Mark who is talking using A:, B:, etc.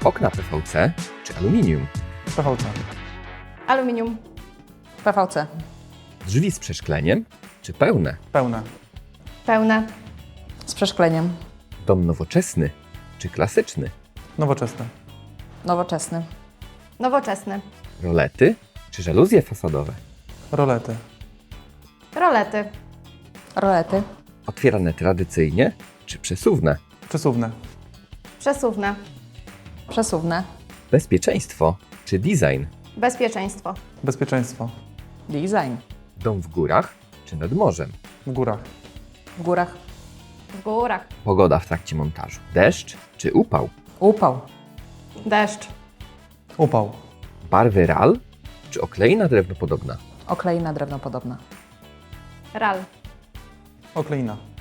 A: Okna PVC czy aluminium?
B: PVC.
C: Aluminium.
D: PVC.
A: Drzwi z przeszkleniem czy pełne?
B: Pełne.
C: Pełne.
D: Z przeszkleniem.
A: Dom nowoczesny czy klasyczny?
B: Nowoczesne.
D: Nowoczesny.
C: Nowoczesny.
A: Rolety czy żaluzje fasadowe?
B: Rolety.
C: Rolety.
D: Rolety.
A: Otwierane tradycyjnie czy przesuwne?
B: Przesuwne.
C: Przesuwne.
D: Przesuwne.
A: Bezpieczeństwo czy design?
C: Bezpieczeństwo.
B: Bezpieczeństwo.
D: Design.
A: Dom w górach czy nad morzem?
B: W górach.
D: W górach.
C: W górach.
A: Pogoda w trakcie montażu. Deszcz czy upał?
D: Upał.
C: Deszcz.
B: Upał.
A: Barwy RAL czy okleina drewnopodobna?
D: Okleina drewnopodobna.
C: Ral.
B: Okleina.